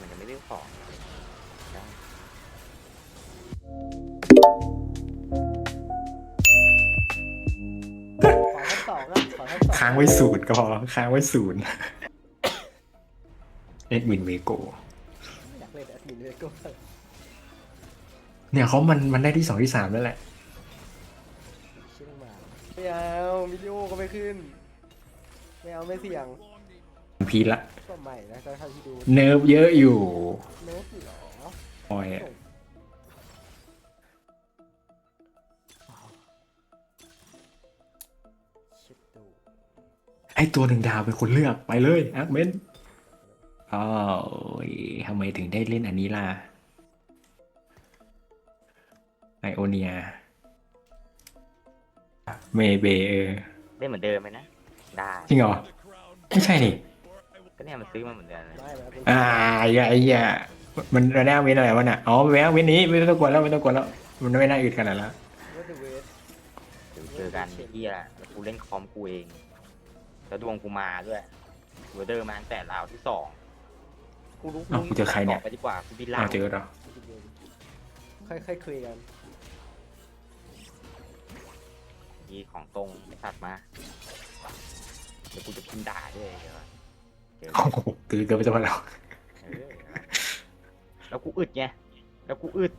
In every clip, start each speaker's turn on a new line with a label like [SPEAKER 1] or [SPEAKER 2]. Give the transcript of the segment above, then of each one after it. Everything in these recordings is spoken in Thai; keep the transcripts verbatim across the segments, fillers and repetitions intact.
[SPEAKER 1] มันจะไม่ได้ของได้
[SPEAKER 2] ขอทั้งสองอ่ะขอทั้งสอง
[SPEAKER 3] ค้างไว้ศูนย์ก็พอค้างไว้ศูนย์เอ็ดวินเวโก
[SPEAKER 2] อยากเล่นแอดมินเลยก็
[SPEAKER 3] เนี่ยเขามันมันได้ที่สองที่สามแล้วแหละ
[SPEAKER 2] เชื่อมาไม่เอาวิดีโอก็ไม่ขึ้นไม่เอาไม่เสี่ยง
[SPEAKER 3] พีละ
[SPEAKER 2] ก็ใหม่นะเท่าที่ดู
[SPEAKER 3] เนิร์ฟเยอะอยู่
[SPEAKER 2] เนิร์ฟเหรอ
[SPEAKER 3] ออยอะ
[SPEAKER 2] ชิดดู
[SPEAKER 3] ไอตัวหนึ่งดาวเป็นคนเลือกไปเลยอาร์เมนอ้าวทำไมถึงได้เล่นอันนี้ล่ะไอโอเนียเมเบเออ
[SPEAKER 1] ได้เหมือนเดิมไหมนะได้
[SPEAKER 3] จริงเหรอ ไม่ใช่นี่
[SPEAKER 1] ก็เนี่ยมันซื้อมาเหมือนเดิมเลย
[SPEAKER 2] ไม่แล้วเป็น
[SPEAKER 3] อ่าอย่าไอ้อย่ามันระแนวเว้นอะไรวะน่ะอ๋อแววเว้นนี้ไม่ต้องกดแล้วไม่ต้องกดแล้วมันไม่น่าอึดขนาดแล้ว
[SPEAKER 2] เวทเวท
[SPEAKER 1] เดี๋ยวเจอกันไอ้เหี้ยแล้วกูเล่นคอมกูเองแล้วดวงกูมาด้วยเวเดอร์มาตั้งแต่ราวที่สองกูรู้
[SPEAKER 3] อ้าวกูเจอใครเนี่ย
[SPEAKER 1] ไปดีกว่ากูบินล่า
[SPEAKER 3] อ้าวเจอแล้ว
[SPEAKER 2] ค่อยๆคุยกัน
[SPEAKER 1] ยีของตรงไอ้สัตว์มาเดี๋ยวกูจะพิมพ์ด่าด้วยเดี๋ยวเจอ
[SPEAKER 3] โอ้โหคือเกินไปจะมาแล้ว
[SPEAKER 1] เออแล้วกูอึดไงแล้วกูอึด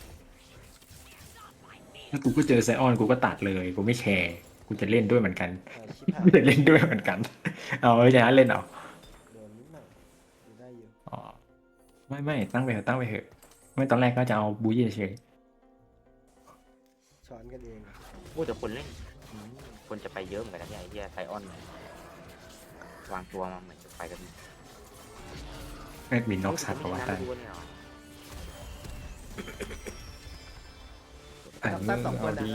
[SPEAKER 3] แล้วกูก็เจอไซออนกูก็ตัดเลยกูไม่แคร์กูจะเล่นด้วยเหมือนกัน
[SPEAKER 2] อ่าชิบหาย
[SPEAKER 3] กูจะเล่นด้วยเหมือนกันเอาไม่ใช่เล่นเอา
[SPEAKER 2] โดนนิดหน่อยดูได้อยู่
[SPEAKER 3] อ๋อไม่ไม่ตั้งไปเถอะตั้งไปเถอะไม่ตอนแรกก็จะเอาบูยี่เฉย
[SPEAKER 2] ช้อนกันเอง
[SPEAKER 1] พูดแต่คนเล่นอืมคนจะไปเยอะเหมือนกันนะเนี่ยไอ้เหี้ยไซออนเนี่ยวางตัวมาเหมือนจะไปกัน
[SPEAKER 3] แอดมินนอกสัตว์ประวัติ
[SPEAKER 1] ไม่รู้เนี่ยหรอ
[SPEAKER 3] อ่า
[SPEAKER 2] ตั้งสองคน
[SPEAKER 3] เอา
[SPEAKER 2] นะ
[SPEAKER 3] ดี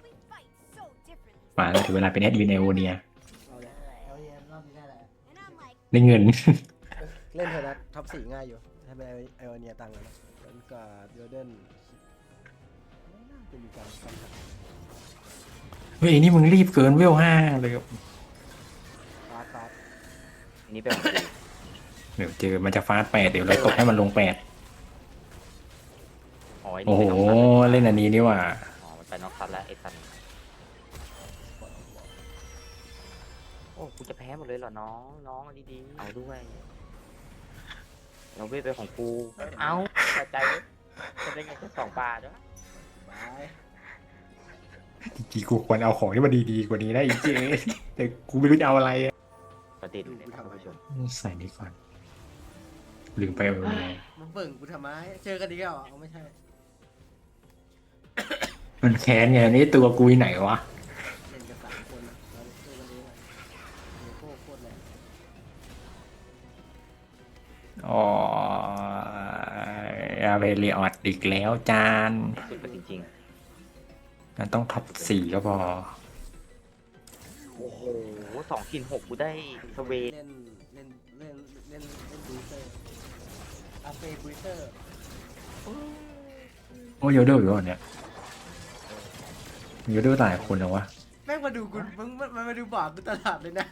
[SPEAKER 3] มาแล้วถึงเวลาเป็นแอดมินไอโอเนีย
[SPEAKER 2] เอาเลยเอาเย็นรอบนี้ได้แหละ
[SPEAKER 3] ได้เงิน
[SPEAKER 2] เล่นเถอะนะท็อปสี่ง่ายอยู่ให้เป็นไอโอเนียตังค์นะแล้วก็เดลเดนไม่น่าจะมีการคำถาม
[SPEAKER 3] เฮ้ยนี่มึงรีบเกินเวลห้าเลย
[SPEAKER 2] ฟาดฟาด
[SPEAKER 1] อันนี้เป็นของกู
[SPEAKER 3] เดี๋ยวเจอมันจะฟาดแปดเดี๋ยวเราตกให้มันลงแปด
[SPEAKER 1] อ๋อไอ้
[SPEAKER 3] โอ้
[SPEAKER 1] นี่
[SPEAKER 3] โห
[SPEAKER 1] เป็นน้องสัตว์
[SPEAKER 3] เล่นอันนี้นี่หว่า
[SPEAKER 1] อ๋อมันไปนอกซัดแล้วไอ้สัตว์โอ้กูจะแพ้หมดเลยเหรอน้องน้องเอาดีๆเอาด้วยเราเวทไปของกูเอาเข้าใจจะได้เงินแค่สองบาทด้วย
[SPEAKER 2] บาย
[SPEAKER 3] จริงๆกูควรเอาของที่มันดีๆกว่านี้ได้อีกเจ๊แต่กูไม่รู้จะเอาอะไรอะ
[SPEAKER 1] ประเด็นเลยนะท่านผู้ชม
[SPEAKER 3] ใส่นี่ก่อนลืมไปเอาเลย
[SPEAKER 2] มันเบิ่งกูทำไมเจอกันดีแล้วเอาไม่ใช่
[SPEAKER 3] มันแค้นไงนี่ตัวกูอยู่ไหนวะ
[SPEAKER 2] เล่นกันสามคนอะเราเจอกันเองอะเนโก้โคตรแรง
[SPEAKER 3] อ๋ออาเวลีออดอีกแล้วจาน
[SPEAKER 1] สุดไปจริง
[SPEAKER 3] มันต้องท็อปสี่ก็พอ
[SPEAKER 1] ๆโอ้โหสองกินหกกูได้สเวท
[SPEAKER 2] เล่นเล่นเล่นเล่นเล่นบูสเตอร์อาเฟบูสเตอร์
[SPEAKER 3] โอ้ยโยเดอร์อยู่วะเนี่ยโยเดอร์หลายคนแล้ววะ
[SPEAKER 2] แม่งมาดูกูมึงมันมันมาดูบอร์ดกูตลาดเลยนะ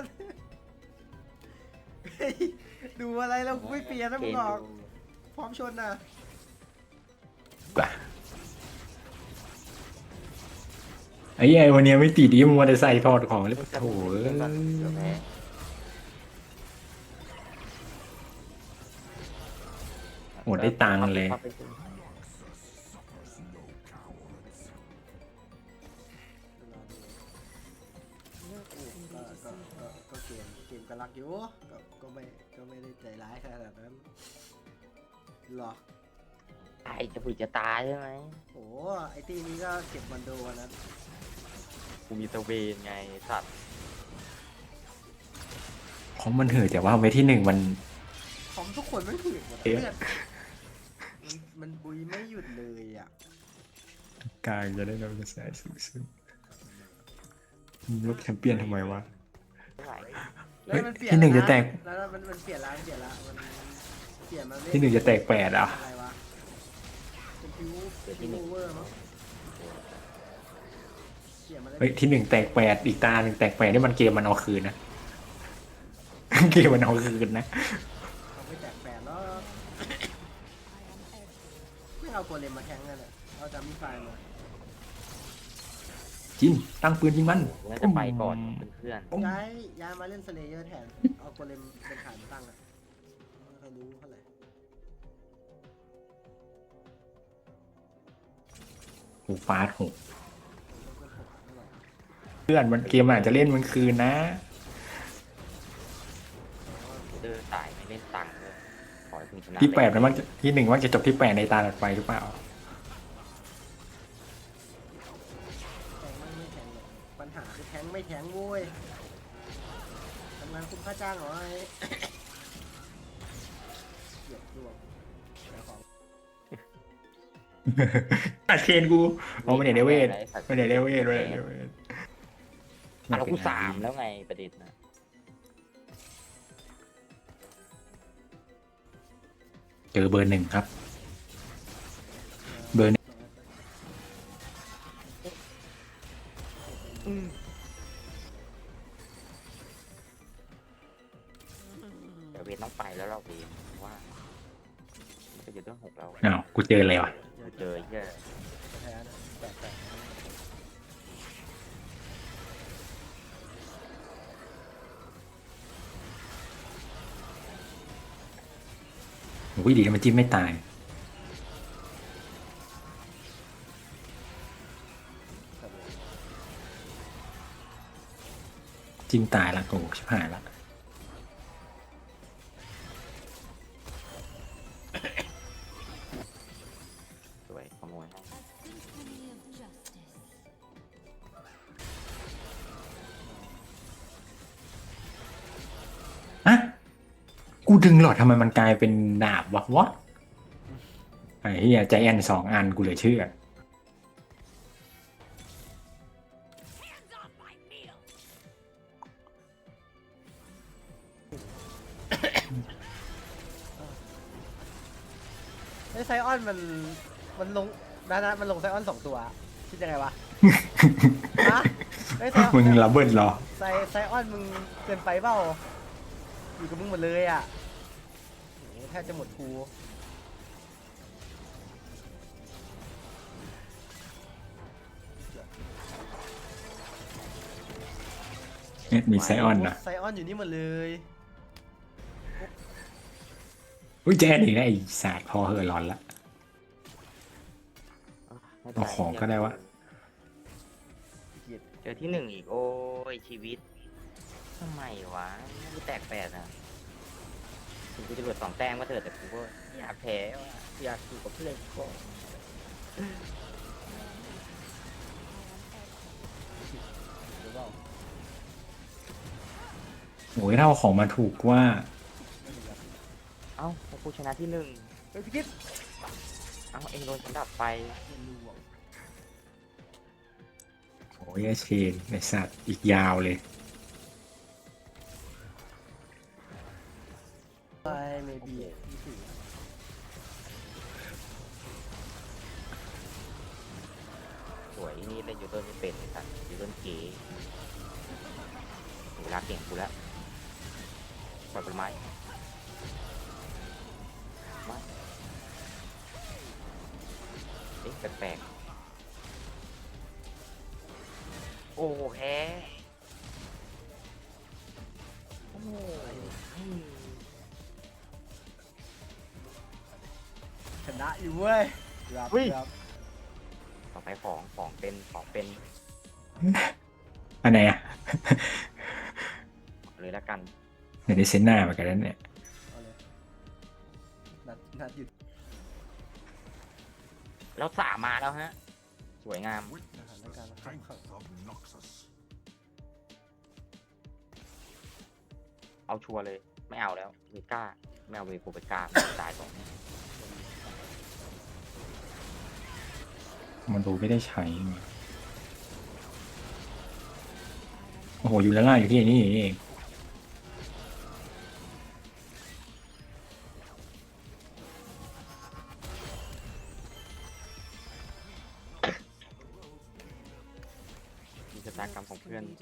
[SPEAKER 2] เฮ้ยดูอะไรแล้วกูไม่เปลี่ยนนะมึงบอกพร้อมชนนะ
[SPEAKER 3] ป่ะไอ้ไอ้วันนี้ไม่ติดดิมึงมาแต่ใส่ถอดของเลยโถ่เอ้ย
[SPEAKER 1] เดี๋ยวแพ้
[SPEAKER 3] หมดได้ตังค์เลย
[SPEAKER 2] ก็ก็ก็ก็เกมเกมก็รักอยู่ก็ก็ไม่ก็ไม่ได้ใจร้ายขนาดนั้นหรอก
[SPEAKER 1] ไอ้จะบุยจะตายใช่ไหม
[SPEAKER 2] โอ้ไอตีนี้ก็เก็บมันโดวันนั้น
[SPEAKER 1] กูมีสเวนไงสัตว์
[SPEAKER 3] ของมันเหือะแต่ว่าไว้ที่หนึ่งมัน
[SPEAKER 2] ของทุกคนไม่ถือหมด
[SPEAKER 3] เอ๊ะ
[SPEAKER 2] เลือดมันมันบุยไม่หยุดเลยอ่ะ
[SPEAKER 3] กายจะได้รับกระแสสูงสุดลบแชมเปี้ยนทำไมวะ
[SPEAKER 1] ไม่ไหว
[SPEAKER 2] แล้วมันเปลี่ยน
[SPEAKER 3] ที่หนึ่งจะแตก
[SPEAKER 2] แล้วนะมันมันเปลี่ยนแล้วมันเปลี่ยนแล้วมันเปลี่ยนมาเล่
[SPEAKER 3] ที่หนึ่งจะแตกแปดอ่ะ
[SPEAKER 2] อะไรวะเป็นพิวพิวเวอร์มั้งเปลี่ยนมาเล่น
[SPEAKER 3] เฮ้ยที่หนึ่งแตกแปดอีกตาหนึ่งแตกแปดนี่มันเกมมันเอาคืนนะ เกมมันเอาคืนนะ
[SPEAKER 2] เขาไม่แตกแปดแล้วเอาโกเลมมาแข่งกันอะเอาจามิไฟมา
[SPEAKER 3] จินตั้งปืนยิงมัน
[SPEAKER 1] กูน่าจะไปก่อนเพื่อน
[SPEAKER 2] ย้ายย้ายมาเล่นสเลเยอร์แทน เอาโกเลมเป็นฐานตั้งอะไม่ค่อยรู้เท่าไหร่
[SPEAKER 3] หูฟาดหูเพื่อนมันเกมอาจจะเล่นมันคืนนะ
[SPEAKER 1] ๆเดอร์สายไม่เล่นตังค์เลยขอให้คุณชนะ
[SPEAKER 3] ที่แปดนะมันจะที่หนึ่งว่าจะจบที่แปดในตาถัดไปหรือเปล่า
[SPEAKER 2] แทงไม่ไม่แทงหรอกปัญหาคือแทงไม่แทงโว้ยทำงานคุ้มค่าจ้างเหรอไอ้ เกียดดวงแล้วของ
[SPEAKER 3] ตัดเชนกูเอาไม่เห็นเดเวทไม่เห็นเดเวทเลยเดเวท
[SPEAKER 1] อ่ะเรากูสามแล้วไงประเด็นนะ
[SPEAKER 3] เจอเบอร์หนึ่งครับ เบอร์หนึ่ง
[SPEAKER 1] เดี๋ยวเวทต้องไปแล้วเราเองว่ามันจะอยู่เรื่องหกเรา
[SPEAKER 3] อ้าวกูเจออะไรวะ
[SPEAKER 1] กูเจอไอ้เหี้ย
[SPEAKER 2] แพ้นะแปดแปด
[SPEAKER 3] โอ้ยดีนะมันจิ้มไม่ตาย จิ้มตายละโอ้ชิบหายละ
[SPEAKER 1] สวยขโมยให้
[SPEAKER 3] อะกูดึงหลอดทำไมมันกลายเป็นดาบวะวะไอ้เหี้ยใจแอนสองอันกูเหลือเชื่อ
[SPEAKER 2] ไอ้ไซออนมันมันลงนะนะมันลงไซออนสองตัวคิดยังไงวะ ฮะไอ้ไซออน
[SPEAKER 3] มึงระเบิดเหรอ
[SPEAKER 2] ไซไซออนมึงเกินไปเปล่าอยู่กับมึงหมดเลยอ่ะโหแทบจะหมดครู
[SPEAKER 3] เนี่ยมีไซออนนะ
[SPEAKER 2] ไซออนอยู่นี่หมดเลย
[SPEAKER 3] อุ้ยแจนอีกแล้วไอ้ศาสตร์พอเหอะร้อนละ
[SPEAKER 1] ไม่ป็นไร
[SPEAKER 3] เอาของก็ได้วะ
[SPEAKER 2] เกลียด
[SPEAKER 1] เจอที่หนึ่งอีกโอ้ยชีวิตทำไมวะไม่ได้แตกแปดอ่ะถึงกูจะเหลือสองแต้มก็เถอะแต่กูก็ไม่อยากแพ้ว่ะอยากอยู่กับเพื่อนก่อน
[SPEAKER 2] หรือเปล่า
[SPEAKER 3] โอ้ยถ้าเอาของมาถูกว่า
[SPEAKER 2] ไม่เป็นไร
[SPEAKER 1] เอ้าแล้วกูชนะที่หนึ่ง
[SPEAKER 2] เฮ้ยพี่กิ๊ฟ
[SPEAKER 1] เอ้าเองโดนฉันดับไป
[SPEAKER 2] เรียนรู้อ่ะ
[SPEAKER 3] โอ้ยไอ้เชนไอ้สัตว์อีกยาวเลย
[SPEAKER 2] ไปเมบีที่สี่
[SPEAKER 1] สวยนี่เล่นยูเทิร์นไม่เป็นไอ้สัตว์ยูเทิร์นเก๋เวลาเก่งกูแล้วปล่อยผลไม้มาเอ๊ะแปลกๆโอ้แพ้โอ้โห
[SPEAKER 2] ชนะอยู่เว้ยรับรับ
[SPEAKER 1] ต่อไปของของเป็นของเป็น
[SPEAKER 3] อันไหนอ่ะ
[SPEAKER 1] เลยแล้วกัน
[SPEAKER 3] เดี๋ยวได้เซนหน้าเหมือนกันนั่นเนี่ย
[SPEAKER 2] เอาเลยนัดนัดหยุด
[SPEAKER 1] แล้วสามมาแล้วฮะ สวยงาม
[SPEAKER 2] สถานการณ์ขับขับ
[SPEAKER 1] เอาชัวร์เลย ไม่เอาแล้วเวก้าไม่เอาเวโกเบก้าตายก่อน
[SPEAKER 3] มันดูไม่ได้ใช้มาโอ้โหอยู่ด้านล่างอยู่ที่นี่เอง
[SPEAKER 1] มีชะตากรรมของเพื่อน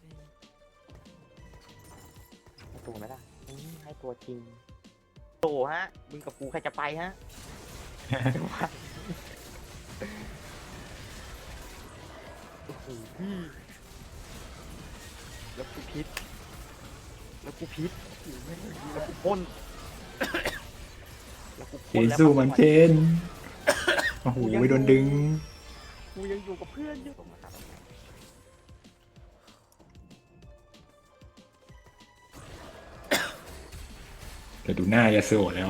[SPEAKER 1] ให้ตัวไหมล่ะอืมให้ตัวจริงโตฮะมึงกับกูใครจะไปฮะพี่แล้วกูพิษแล้วกูพิษแล้วกูพ่นแล้วกู
[SPEAKER 3] เจ
[SPEAKER 1] พ่น
[SPEAKER 3] น
[SPEAKER 1] แล้ว
[SPEAKER 3] สู้มันเจนโอ้โหไปโดนดึง
[SPEAKER 1] กูยังอยู่กับเพื่อนอยู่มาครับ
[SPEAKER 3] เดี๋ยวดูหน้ายาสูแล้ว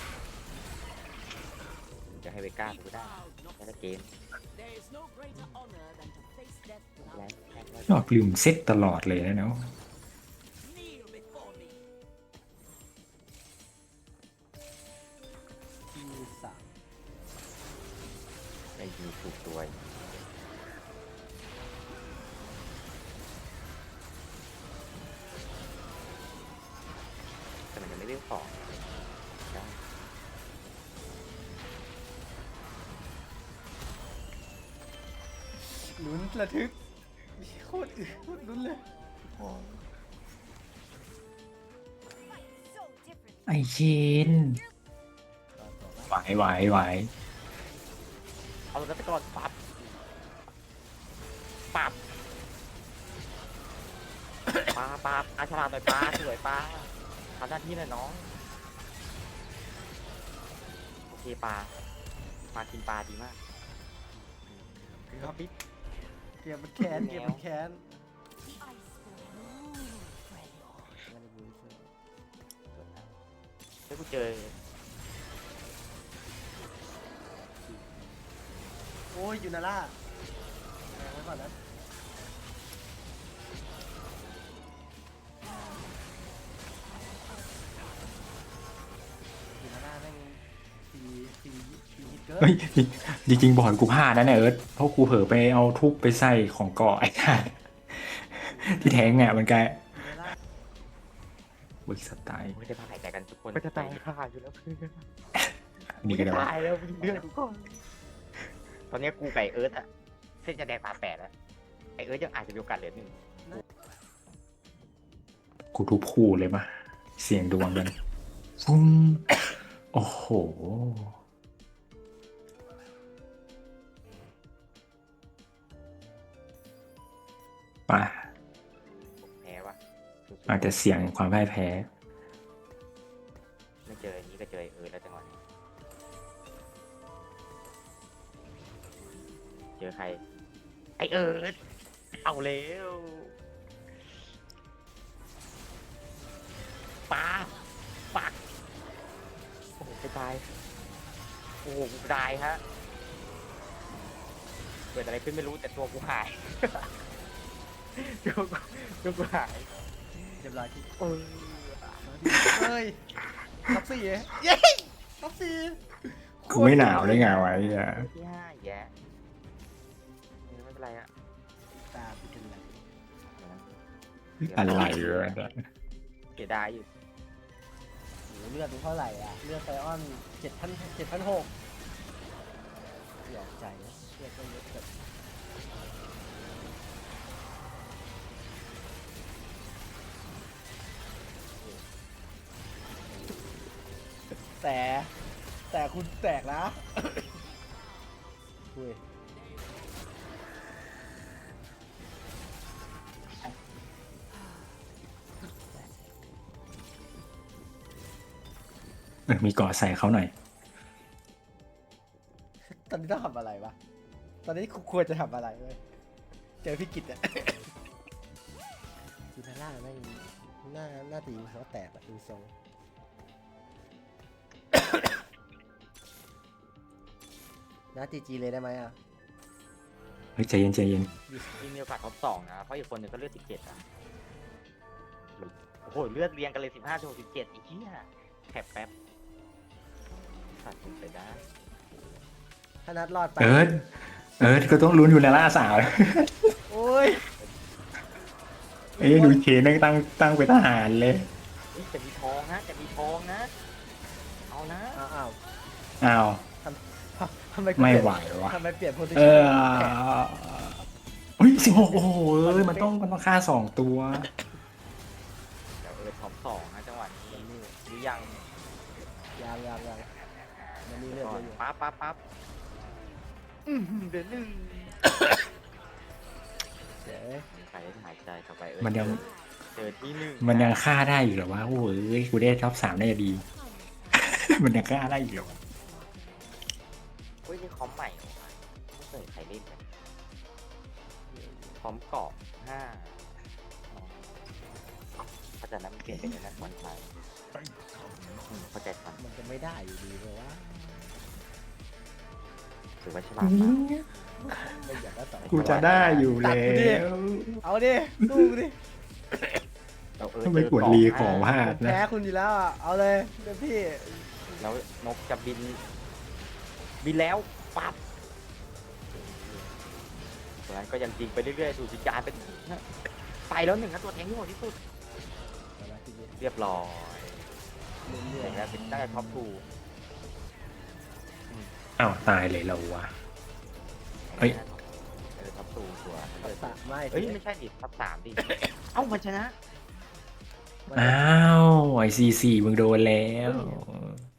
[SPEAKER 1] จะให้เวก้ากูได้แค่ละเกม
[SPEAKER 4] There is no greater honor than to face death
[SPEAKER 1] แล้ว
[SPEAKER 4] without
[SPEAKER 3] ชอบลืมเซตตลอดเลยนะเนาะ
[SPEAKER 4] kneel before me.
[SPEAKER 2] ที่สาม
[SPEAKER 1] ได้ยิงถูกตัวแต่มันยังไม่ได้ของได้
[SPEAKER 2] ลุ้นระทึกโคตรอึโคตรลุ้นเลย
[SPEAKER 3] ไอเชนไหวไหวไหว
[SPEAKER 1] เอาแล้วไปก่อนปับปับปลาปลาปลาฉลาดหน่อยปลาสวยปลาทำหน้าที่หน่อยน้องโอเคปลาปลากินปลาดีมากครับพี่
[SPEAKER 2] เกมมันแค้นเกมมันแค้น
[SPEAKER 1] ถ้ากูเจอ
[SPEAKER 2] โอ้ยยูนาร่าแรงไว้ก่อนนะยูนาร่าแม่งฟรีฟรีฟรีฮิตเกิน
[SPEAKER 3] เฮ้ยจริงๆบอลกูพลาดนะเนี่ยเอิร์ธเพราะกูเผลอไปเอาทุบไปใส่ของเกาะไอ้ท่าที่แท้งอ่ะมันกลาย
[SPEAKER 2] ยูนาร่า
[SPEAKER 3] วิสไตล์
[SPEAKER 1] ไม่ได้พาหายใจกันทุกคนไม่จะตายขาดอยู่แล้วเพื่อน
[SPEAKER 3] นี่ก็ได้ว่า
[SPEAKER 1] ตายแล้วมึงเลือดทุกคนตอนนี้กูไก่เอิร์ธอะเส้นจะแดงปลาแปดแล้วไอเอิร์ธยังอาจจะมีโอกาสเหลือหนึ่ง
[SPEAKER 3] กูทุบคู่เลยมาเสียงดวงกันฟุ้งโอ้โหไป่ะ
[SPEAKER 1] แพ้วะ
[SPEAKER 3] อาจจะเสียงความพ่ายแพ้
[SPEAKER 1] ไม่เจออันนี้ก็เจอไอ้เอิร์ธแล้วจังหวะนี้เจอใครไอเอิร์ธเอาแล้วปลาปักโอ้โหไปตายโอ้โหกูตายฮะเกิดอะไรขึ้นไม่รู้แต่ตัวกูหาย ตัวกูตัวกูหาย
[SPEAKER 2] เรียบร้อยที่
[SPEAKER 1] เออ
[SPEAKER 2] เฮ้ยท็อปสี่เย้ท็อปสี่
[SPEAKER 3] กูไม่หนาวได้ไงวะไอ้เหี้ย
[SPEAKER 1] ที่ห้าแย่เออไม่เป็นไรอะ
[SPEAKER 2] ตาเป็นกันไร
[SPEAKER 3] อะไรวะ
[SPEAKER 1] เสียดายอยู่
[SPEAKER 2] โหเลือดดูเท่าไหร่อ่ะเลือดไซออนเจ็ดพันเจ็ดพันหกเสียใจนะเลือดก็เยอะเกินแต่แต่คุณแตกนะ คุย
[SPEAKER 3] เออมีเกาะใส่เขาหน่อย
[SPEAKER 2] ตอนนี้ต้องทำอะไรวะ ตอนนี้ควรจะทำอะไรเว้ยเจอพี่กิตอะ จีนาร่าแม่งหน้าหน้าตีเขาแตกอะดูทรง น้าจีจีเลยได้ไหมอ่ะ
[SPEAKER 3] เฮ้ยใจเย็นใจเย็น
[SPEAKER 1] มีมีโอกาสท็อปสองนะเพราะอีกคนหนึงก็เลือดสิบเจ็ดอะโอ้โหเลือดเรียงกันเลยสิบห้าถึงสิบเจ็ดอีกที่อะแคปแป๊บขาดไปได้
[SPEAKER 2] ถ้านัดรอดไป
[SPEAKER 3] เอิร์ธเอิร์ธก็ต้องลุ้นอยู่ในล่าสาว
[SPEAKER 2] โอ้ย
[SPEAKER 3] เอ้ยดูเชนนั่งตั้งตั้งเป็นทหารเลย
[SPEAKER 1] เฮ้ยจะมีทองนะจะมีทองนะ เอานะ
[SPEAKER 2] อ้าวอ้าว
[SPEAKER 3] อ้าว
[SPEAKER 2] ทำไม
[SPEAKER 3] ไม่
[SPEAKER 2] เปลี่ยน
[SPEAKER 3] ไหววะ
[SPEAKER 2] ทำไมเปลี่ยนโพซิ
[SPEAKER 3] เอ
[SPEAKER 2] ชั่น
[SPEAKER 3] อเฮ้ยสิบหกโอ้โหเอ้ยมันต้องมันต้องฆ่าสองตัว
[SPEAKER 1] เดี๋ยวเออท็อปสองนะจังหวะนี้หรือยัง
[SPEAKER 2] ยังยังยังมันมีเลือด
[SPEAKER 1] ก่อ
[SPEAKER 2] เย
[SPEAKER 1] น
[SPEAKER 2] อะอยู่
[SPEAKER 1] ปั๊บปั๊บปั๊บอือหือเดือนหนึ่ง
[SPEAKER 2] เดี๋ยว
[SPEAKER 1] ใครหายใจเข้าไปเออ
[SPEAKER 3] มันยัง
[SPEAKER 1] เจอที่หนึ่ง
[SPEAKER 3] มันยังฆ่าได้อยู่เหรอวะโอ้ยกูได้ท็อปสามได้ดี มันยังฆ่าได้อยู่เหรอวะ
[SPEAKER 1] เฮ้ยนี่คอมใหม่เหรอวะไม่เคยใครเล่นเลยคอมเกาะห้าอ๋อเข้าใจแล้วมันเปลี่ยนเป็นในนั้นวันไทยอืมเข้าใจทัน
[SPEAKER 2] มันจะไม่ได้อยู่ดีเพราะว่า
[SPEAKER 1] ถือว่าฉลาดมาก
[SPEAKER 2] ไม่อยากได้สอง
[SPEAKER 3] กูจะได้อยู่แล้ว
[SPEAKER 2] เอาดิสู้กูดิ
[SPEAKER 1] เราเออ
[SPEAKER 3] ทำไม
[SPEAKER 1] เจอก
[SPEAKER 3] ด
[SPEAKER 1] เกาะ
[SPEAKER 3] รีข
[SPEAKER 1] ห้า
[SPEAKER 3] องพลาด
[SPEAKER 2] ผม
[SPEAKER 3] นะ
[SPEAKER 2] แพ้คุณอยู่แล้วอ่ะเอาเลยเต็มที่
[SPEAKER 1] แล้วนกจะบิน บินแล้วปั๊บเพราะฉะนั้นก็ยังยิงไปเรื่อยๆดูสิจารเป็นไปแล้วหนึ่งนะตัวแทงที่โหดที่สุด
[SPEAKER 2] เอาละทีนี้
[SPEAKER 1] เรียบร้อย
[SPEAKER 2] เรื่อ
[SPEAKER 1] อย ย่างนี้เป็นตั้งแต่ท็อปทู
[SPEAKER 3] อ้าวตายเลยเราวะ เฮ้ย
[SPEAKER 1] เออท็อปทูตัว
[SPEAKER 2] ๆเอาสะไม่
[SPEAKER 1] เอ้ยไม่ใช่ดิท็อปสามดิ เอ้ามันชนะ
[SPEAKER 3] อ้าวไอซีซีมึงโดนแล้ว